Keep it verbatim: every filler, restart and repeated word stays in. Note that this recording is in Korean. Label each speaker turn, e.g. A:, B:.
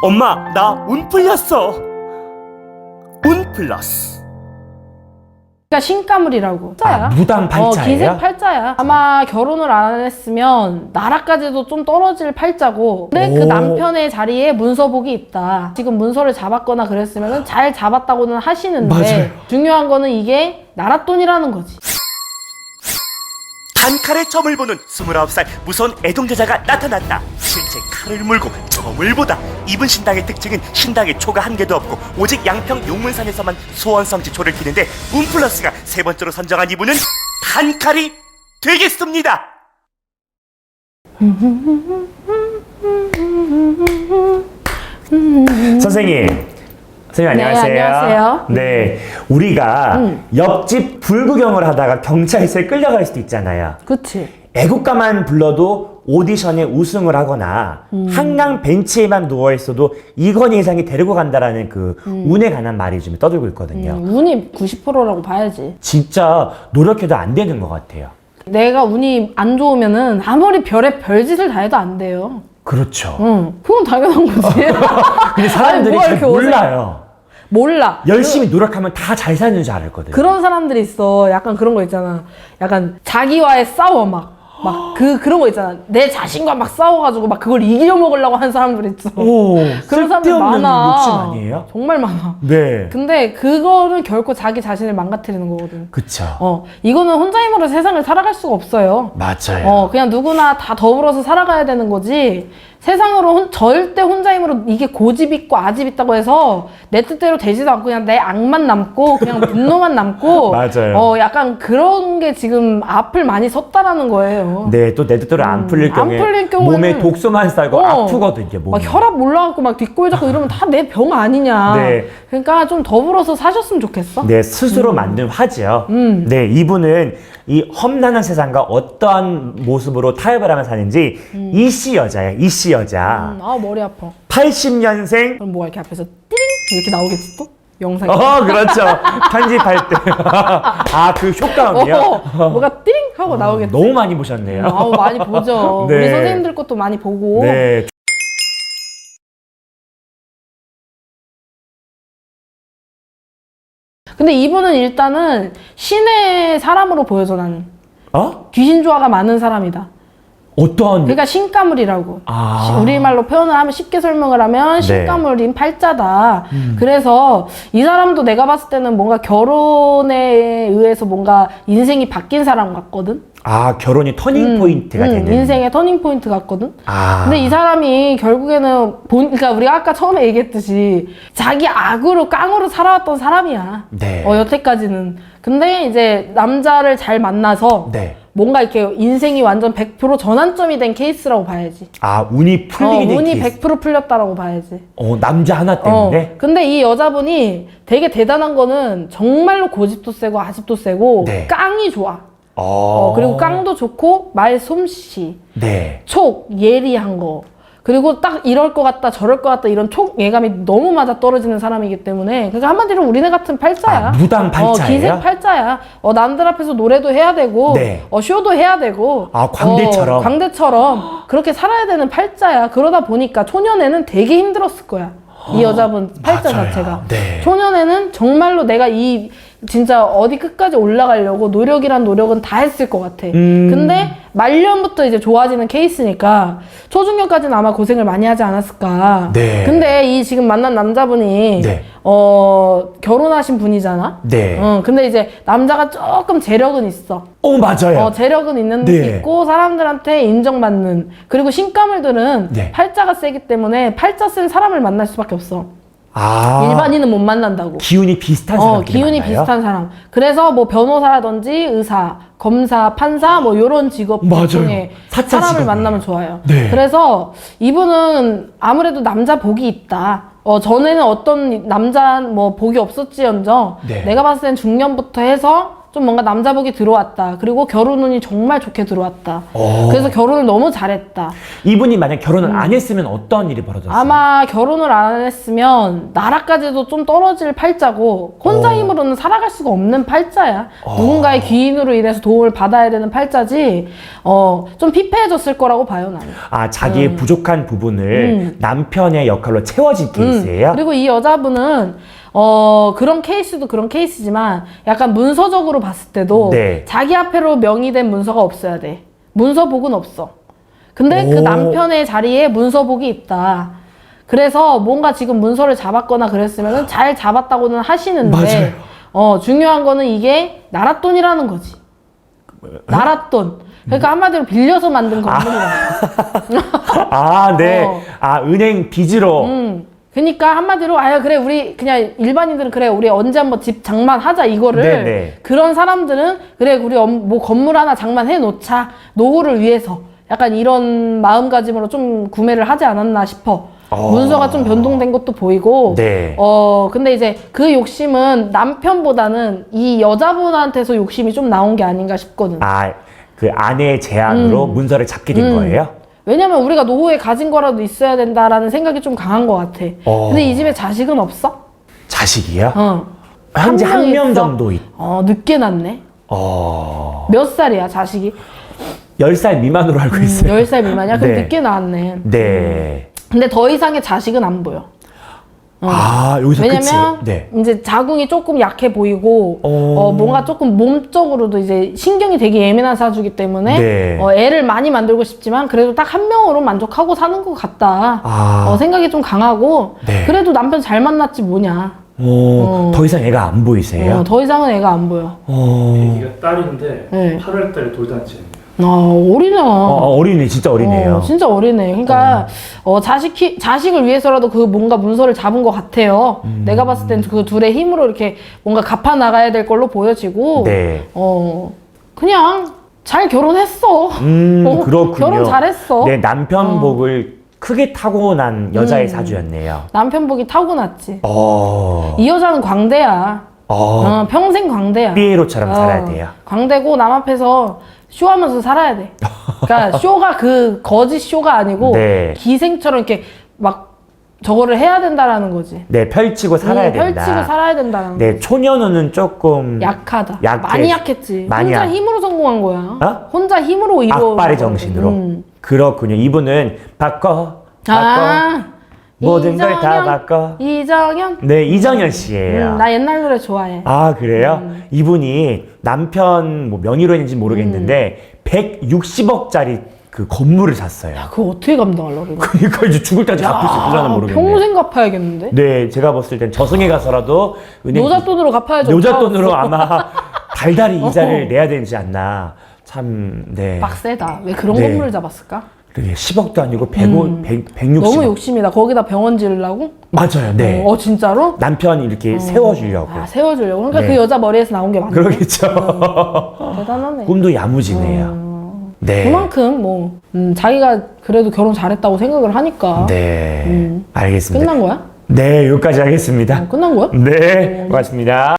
A: 엄마, 나 운 풀렸어. 운 플러스.
B: 그러니까 신가물이라고. 팔자야.
C: 아, 무당 팔자예요?
B: 어, 기생 팔자야. 아마 결혼을 안 했으면 나라까지도 좀 떨어질 팔자고. 근데 그
C: 오.
B: 남편의 자리에 문서복이 있다. 지금 문서를 잡았거나 그랬으면 잘 잡았다고는 하시는데
C: 맞아요.
B: 중요한 거는 이게 나랏돈이라는 거지.
A: 단칼에 점을 보는 스물아홉 살 무서운 애동자자가 나타났다. 실제 칼을 물고 점을 보다. 이분 신당의 특징은 신당에 초가 한 개도 없고 오직 양평 용문산에서만 소원성지 초를 키는데 운플러스가 세 번째로 선정한 이분은 단칼이 되겠습니다.
C: 선생님. 선생님
B: 네,
C: 안녕하세요.
B: 안녕하세요.
C: 네, 우리가
B: 음.
C: 옆집 불구경을 하다가 경찰서에 끌려갈 수도 있잖아요.
B: 그치.
C: 애국가만 불러도 오디션에 우승을 하거나
B: 음.
C: 한강 벤치에만 누워있어도 이건희 회장이 데리고 간다라는 그
B: 음.
C: 운에 관한 말이 좀 떠들고 있거든요.
B: 음, 운이 구십 퍼센트라고 봐야지.
C: 진짜 노력해도 안 되는 것 같아요.
B: 내가 운이 안 좋으면은 아무리 별의 별짓을 다 해도 안 돼요.
C: 그렇죠.
B: 응, 그건 당연한 거지.
C: 근데 사람들이
B: 아니, 뭐가
C: 잘
B: 이렇게 어색-
C: 몰라요.
B: 몰라.
C: 열심히 노력하면 다 잘 사는 줄 알았거든요.
B: 그런 사람들이 있어. 약간 그런 거 있잖아. 약간 자기와의 싸워 막. 막 그 그런 거 있잖아. 내 자신과 막 싸워가지고 막 그걸 이겨 먹으려고 하는 사람들 있어.
C: 오,
B: 그런 사람들
C: 쓸데없는
B: 많아.
C: 욕심 아니에요?
B: 정말 많아.
C: 네.
B: 근데 그거는 결코 자기 자신을 망가뜨리는 거거든.
C: 그쵸.
B: 어, 이거는 혼자 힘으로 세상을 살아갈 수가 없어요.
C: 맞아요.
B: 어, 그냥 누구나 다 더불어서 살아가야 되는 거지. 세상으로 혼, 절대 혼자 힘으로 이게 고집 있고 아집 있다고 해서 내 뜻대로 되지도 않고 그냥 내 악만 남고 그냥 분노만 남고
C: 맞아요.
B: 어, 약간 그런 게 지금 앞을 많이 섰다라는 거예요.
C: 네, 또 내 뜻대로 안 풀릴
B: 음, 안
C: 경우에
B: 풀릴 경우에는-
C: 몸에 독소만 쌓이고
B: 어,
C: 아프거든요, 몸이.
B: 막 혈압 올라가고 막 뒷골 잡고 이러면 다 내 병 아니냐.
C: 네.
B: 그러니까 좀 더불어서 사셨으면 좋겠어.
C: 네, 스스로 만든 화죠.
B: 음.
C: 네, 이분은 이 험난한 세상과 어떠한 모습으로 타협을 하며 사는지 이씨 여자예요, 이씨 여자.
B: 음, 아 머리 아파.
C: 팔십 년생.
B: 그럼 뭐가 이렇게 앞에서 띠링 이렇게 나오겠지 또? 영상이.
C: 어, 그렇죠. 편집할 때. 아, 그 효과음이요?
B: 어, 뭐가 띠링 하고 나오겠지.
C: 너무 많이 보셨네요.
B: 아우 많이 보죠.
C: 네.
B: 우리 선생님들 것도 많이 보고.
C: 네.
B: 근데 이분은 일단은 신의 사람으로 보여져 나는.
C: 어?
B: 귀신 조화가 많은 사람이다.
C: 어떤.
B: 그러니까 신가물이라고.
C: 아.
B: 시- 우리말로 표현을 하면 쉽게 설명을 하면
C: 네.
B: 신가물인 팔자다.
C: 음.
B: 그래서 이 사람도 내가 봤을 때는 뭔가 결혼에 의해서 뭔가 인생이 바뀐 사람 같거든.
C: 아, 결혼이 터닝 포인트가
B: 음,
C: 되는.
B: 인생의 터닝 포인트 같거든.
C: 아.
B: 근데 이 사람이 결국에는 본, 그러니까 우리가 아까 처음에 얘기했듯이 자기 악으로 깡으로 살아왔던 사람이야.
C: 네.
B: 어, 여태까지는. 근데 이제 남자를 잘 만나서
C: 네.
B: 뭔가 이렇게 인생이 완전 백 퍼센트 전환점이 된 케이스라고 봐야지.
C: 아, 운이
B: 어,
C: 풀리게 된
B: 운이
C: 케이스.
B: 백 퍼센트 풀렸다라고 봐야지.
C: 어, 남자 하나
B: 어,
C: 때문에?
B: 근데 이 여자분이 되게 대단한 거는 정말로 고집도 세고 아집도 세고
C: 네.
B: 깡이 좋아.
C: 어.
B: 어, 그리고 깡도 좋고 말 솜씨,
C: 네.
B: 촉, 예리한 거. 그리고 딱 이럴 것 같다 저럴 것 같다 이런 촉 예감이 너무 맞아 떨어지는 사람이기 때문에 그러니까 한마디로 우리네 같은 팔자야.
C: 아, 무당 팔자예요?
B: 어, 기생 팔자야. 어, 남들 앞에서 노래도 해야 되고
C: 네.
B: 어, 쇼도 해야 되고
C: 아, 광대처럼?
B: 어, 광대처럼 그렇게 살아야 되는 팔자야. 그러다 보니까 초년에는 되게 힘들었을 거야. 이 여자분 팔자
C: 맞아요.
B: 자체가.
C: 네.
B: 초년에는 정말로 내가 이 진짜 어디 끝까지 올라가려고 노력이란 노력은 다 했을 것 같아.
C: 음.
B: 근데 말년부터 이제 좋아지는 케이스니까 초중년까지는 아마 고생을 많이 하지 않았을까.
C: 네.
B: 근데 이 지금 만난 남자분이
C: 네.
B: 어 결혼하신 분이잖아.
C: 네.
B: 어 근데 이제 남자가 조금 재력은 있어.
C: 어, 맞아요.
B: 어 재력은 있는
C: 네.
B: 있고 사람들한테 인정받는. 그리고 신가물들은
C: 네.
B: 팔자가 세기 때문에 팔자 센 사람을 만날 수밖에 없어.
C: 아.
B: 일반인은 못 만난다고.
C: 기운이 비슷한
B: 어,
C: 사람끼리
B: 기운이
C: 만나요?
B: 비슷한 사람. 그래서 뭐 변호사라든지 의사, 검사, 판사 뭐 요런 직업
C: 맞아요.
B: 중에
C: 사차
B: 사람을
C: 직업이에요.
B: 만나면 좋아요.
C: 네.
B: 그래서 이분은 아무래도 남자 복이 있다. 어, 전에는 어떤 남자 뭐 복이 없었지언정
C: 네.
B: 내가 봤을 땐 중년부터 해서 좀 뭔가 남자복이 들어왔다. 그리고 결혼 운이 정말 좋게 들어왔다.
C: 오.
B: 그래서 결혼을 너무 잘했다.
C: 이분이 만약 결혼을 안 했으면 어떤 일이 벌어졌어요?
B: 음. 아마 결혼을 안 했으면 나라까지도 좀 떨어질 팔자고 혼자
C: 어.
B: 힘으로는 살아갈 수가 없는 팔자야. 누군가의 귀인으로 인해서 도움을 받아야 되는 팔자지. 어, 좀 피폐해졌을 거라고 봐요, 나는.
C: 아, 자기의
B: 음.
C: 부족한 부분을 남편의 역할로 채워질 케이스예요?
B: 그리고 이 여자분은 어 그런 케이스도 그런 케이스지만 약간 문서적으로 봤을 때도
C: 네.
B: 자기 앞으로 명의된 문서가 없어야 돼. 문서복은 없어. 근데 그
C: 오.
B: 남편의 자리에 문서복이 있다. 그래서 뭔가 지금 문서를 잡았거나 그랬으면 잘 잡았다고는 하시는데
C: 맞아요.
B: 어 중요한 거는 이게 나랏돈이라는 거지. 나랏돈. 그러니까 한마디로 빌려서 만든 건물이야.
C: 아, 네.
B: 어.
C: 아, 은행 빚으로.
B: 음. 그러니까 한마디로 아야 그래 우리 그냥 일반인들은 그래 우리 언제 한번 집 장만하자 이거를
C: 네네.
B: 그런 사람들은 그래 우리 엄- 뭐 건물 하나 장만해 놓자 노후를 위해서 약간 이런 마음가짐으로 좀 구매를 하지 않았나 싶어.
C: 어.
B: 문서가 좀 변동된 것도 보이고
C: 네.
B: 어 근데 이제 그 욕심은 남편보다는 이 여자분한테서 욕심이 좀 나온 게 아닌가 싶거든.
C: 아, 그 아내의 제안으로
B: 음.
C: 문서를 잡게 된 거예요?
B: 왜냐면 우리가 노후에 가진 거라도 있어야 된다라는 생각이 좀 강한 것 같아.
C: 어.
B: 근데 이 집에 자식은 없어?
C: 자식이요?
B: 어.
C: 현재 한
B: 명
C: 명
B: 있어.
C: 정도 있.
B: 어, 늦게 낳네.
C: 어.
B: 몇 살이야, 자식이?
C: 열 살 미만으로 알고 있어요.
B: 열 살 미만이야? 그럼
C: 네.
B: 늦게 낳았네.
C: 네.
B: 근데 더 이상의 자식은 안 보여.
C: 아, 여기서
B: 왜냐면
C: 끝이. 네.
B: 이제 자궁이 조금 약해 보이고
C: 어.
B: 어, 뭔가 조금 몸적으로도 이제 신경이 되게 예민한 사주기 때문에
C: 네.
B: 어, 애를 많이 만들고 싶지만 그래도 딱 한 명으로 만족하고 사는 것 같다.
C: 아.
B: 어, 생각이 좀 강하고
C: 네.
B: 그래도 남편 잘 만났지 뭐냐.
C: 어, 더 이상 애가 안 보이세요?
B: 어, 더 이상은 애가 안 보여.
C: 어.
D: 애기가 딸인데
B: 네.
D: 팔월 달에 돌잔치예요.
B: 어, 어리잖아.
C: 어, 어린애, 진짜 어린애예요.
B: 어, 진짜 어리네. 그러니까 어, 자식 키, 자식을 위해서라도 그 뭔가 문서를 잡은 것 같아요.
C: 음.
B: 내가 봤을 땐 그 둘의 힘으로 이렇게 뭔가 갚아 나가야 될 걸로 보여지고,
C: 네.
B: 어 그냥 잘 결혼했어.
C: 음,
B: 어,
C: 그렇군요.
B: 결혼 잘했어.
C: 네, 남편 복을 크게 타고난 여자의
B: 음.
C: 사주였네요.
B: 남편 복이 타고났지.
C: 어.
B: 이 여자는 광대야.
C: 어.
B: 어, 평생 광대야.
C: 삐에로처럼
B: 어,
C: 살아야 돼요.
B: 광대고 남 앞에서 쇼하면서 살아야 돼. 그러니까 쇼가 그 거짓 쇼가 아니고
C: 네.
B: 기생처럼 이렇게 막 저거를 해야 된다라는 거지.
C: 네, 펼치고 살아야
B: 음,
C: 된다.
B: 펼치고 살아야 된다는
C: 네, 초년우는 조금
B: 약하다.
C: 약해.
B: 많이 약했지.
C: 많이
B: 혼자
C: 약-
B: 힘으로 성공한 거야.
C: 어?
B: 혼자 힘으로 이루어.
C: 악발의 정신으로.
B: 음.
C: 그렇군요. 이분은 바꿔, 바꿔,
B: 아,
C: 모든 걸 다
B: 이정현,
C: 바꿔.
B: 이정현.
C: 네, 이정현 씨예요.
B: 음, 나 옛날 노래 좋아해.
C: 아, 그래요? 이분이 남편 뭐 명의로 했는지 모르겠는데
B: 음.
C: 백육십억짜리 그 건물을 샀어요.
B: 그거 어떻게 감당하려고 그래?
C: 그러니까 이제 죽을 때까지 갚을 수 있을려나 모르겠네.
B: 평생 갚아야겠는데?
C: 네, 제가 봤을 땐 저승에 가서라도 은행
B: 노잣돈으로 갚아야죠.
C: 노잣돈으로 아마 달달이 이자를
B: 어허.
C: 내야 되지 않나. 참, 네.
B: 빡세다. 왜 그런
C: 네.
B: 건물을 잡았을까?
C: 그러게 십억도 아니고 백오, 백, 백육십.
B: 음. 너무 욕심이다. 거기다 병원 지으려고?
C: 맞아요, 네.
B: 어, 진짜로?
C: 남편이 이렇게 세워주려고.
B: 아, 세워주려고. 그러니까
C: 네.
B: 그 여자 머리에서 나온 게 맞네.
C: 그러겠죠.
B: 대단하네.
C: 꿈도 야무지네요. 네.
B: 그만큼 뭐 음, 자기가 그래도 결혼 잘했다고 생각을 하니까
C: 네.
B: 음.
C: 알겠습니다.
B: 끝난 거야?
C: 네, 여기까지 하겠습니다.
B: 어, 끝난 거야?
C: 네, 고맙습니다.